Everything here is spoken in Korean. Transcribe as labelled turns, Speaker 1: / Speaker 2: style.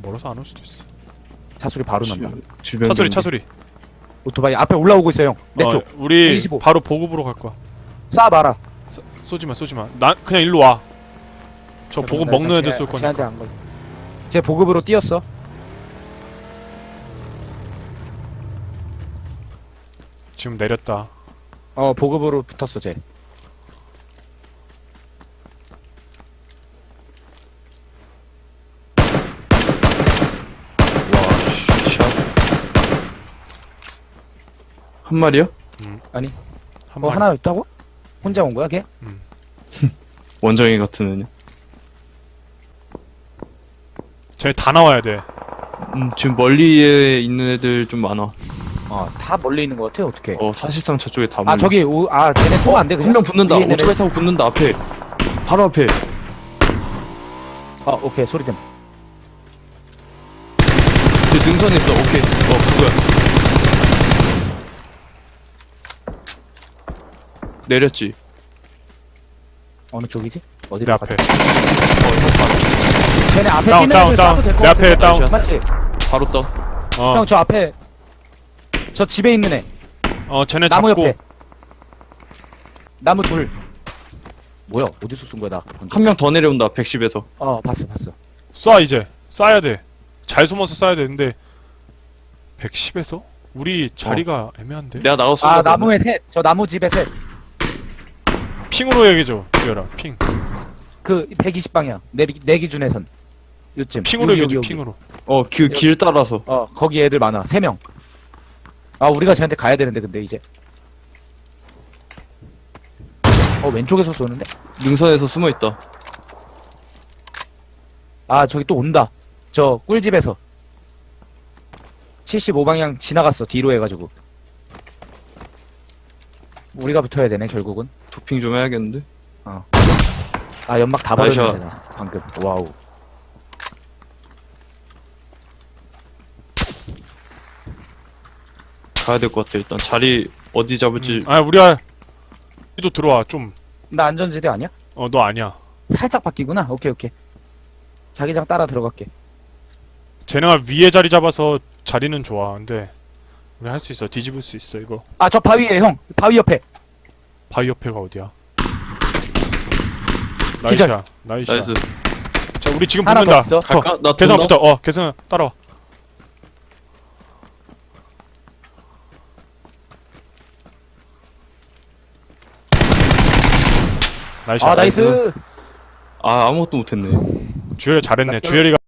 Speaker 1: 멀어서 안 올 수도 있어.
Speaker 2: 차소리 바로 난다.
Speaker 3: 주변
Speaker 1: 차소리
Speaker 3: 경비.
Speaker 1: 차소리.
Speaker 2: 오토바이 앞에 올라오고 있어요 형. 내 쪽.
Speaker 1: 우리
Speaker 2: 125.
Speaker 1: 바로 보급으로 갈 거야.
Speaker 2: 쏴봐라.
Speaker 1: 쏘지마 쏘지마. 난 그냥 일로 와. 저 보급 먹는 애들 쏠 거니까.
Speaker 2: 쟤한테 안 걸. 쟤 보급으로 뛰었어.
Speaker 1: 지금 내렸다.
Speaker 2: 보급으로 붙었어 쟤.
Speaker 3: 와, 샷. 한 마리요?
Speaker 1: 한 마리.
Speaker 2: 하나 있다고? 혼자 온 거야 걔?
Speaker 3: 원정이 같은 애냐?
Speaker 1: 쟤네 다 나와야 돼.
Speaker 3: 지금 멀리에 있는 애들 좀 많아.
Speaker 2: 다 멀리 있는 거 같아 어떻게?
Speaker 3: 사실상 저쪽에 다
Speaker 2: 아 저기 쟤네 쏘면 안 돼 그냥?
Speaker 3: 한 명 붙는다.
Speaker 2: 위에 있는
Speaker 3: 오토바이 타고 붙는다. 앞에. 바로 앞에.
Speaker 2: 오케이 소리 좀.
Speaker 3: 저 능선에 있어. 오케이. 그거야. 내렸지.
Speaker 2: 어느 쪽이지?
Speaker 1: 내
Speaker 2: 어디로
Speaker 1: 앞에.
Speaker 2: 갔지? 쟤네 앞에
Speaker 1: 다운,
Speaker 2: 뛰는
Speaker 1: 다운,
Speaker 2: 애들
Speaker 1: 다운.
Speaker 2: 쏴도 될것
Speaker 1: 내 앞에
Speaker 2: 같은데?
Speaker 1: 다운.
Speaker 2: 맞지?
Speaker 3: 바로 떠.
Speaker 2: 형 저 앞에 저 집에 있는 애
Speaker 1: 쟤네
Speaker 2: 나무
Speaker 1: 잡고.
Speaker 2: 옆에 나무 둘 뭐야 어디서 쏜 거야 나
Speaker 3: 한 명 더 내려온다. 110에서.
Speaker 2: 봤어
Speaker 1: 쏴 이제. 쏴야 돼. 잘 숨어서 쏴야 되는데 110에서? 우리 자리가 애매한데?
Speaker 3: 내가 나가서
Speaker 2: 나무에 셋저 나무 집에 셋
Speaker 1: 핑으로 얘기해줘. 기어라. 핑.
Speaker 2: 그 120방향 내 기준에선 요쯤
Speaker 1: 핑으로
Speaker 2: 여기,
Speaker 1: 얘기해줘.
Speaker 2: 여기.
Speaker 1: 핑으로.
Speaker 3: 길 따라서.
Speaker 2: 거기 애들 많아 3명 우리가 쟤한테 가야 되는데 근데 이제 왼쪽에서 쏘는데?
Speaker 3: 능선에서 숨어 있다.
Speaker 2: 저기 또 온다 저 꿀집에서 75방향 지나갔어 뒤로 해가지고 우리가 붙어야 되네 결국은
Speaker 3: 도핑 좀 해야겠는데.
Speaker 2: 연막 다
Speaker 3: 나이스.
Speaker 2: 버렸네 내가 방금 와우
Speaker 3: 가야 될 것 같아. 일단 자리 어디 잡을지.
Speaker 1: 우리도 들어와. 좀.
Speaker 2: 나 안전지대 아니야?
Speaker 1: 너 아니야.
Speaker 2: 살짝 바뀌구나 오케이 자기장 따라 들어갈게
Speaker 1: 쟤네가 위에 자리 잡아서 자리는 좋아. 근데 우리 할 수 있어. 뒤집을 수 있어 이거.
Speaker 2: 저 바위에 형 바위 옆에
Speaker 1: 바위 옆에가 어디야?
Speaker 2: 기절.
Speaker 1: 나이스야.
Speaker 3: 나이스.
Speaker 1: 자 우리 지금
Speaker 2: 하나 더
Speaker 1: 붙는다.
Speaker 2: 있어.
Speaker 3: 갈까? 나
Speaker 1: 계산
Speaker 3: 돈다?
Speaker 1: 붙어. 계산 따라와. 나이스.
Speaker 2: 나이스
Speaker 3: 아무것도 못했네.
Speaker 1: 주열이 잘했네. 주열이가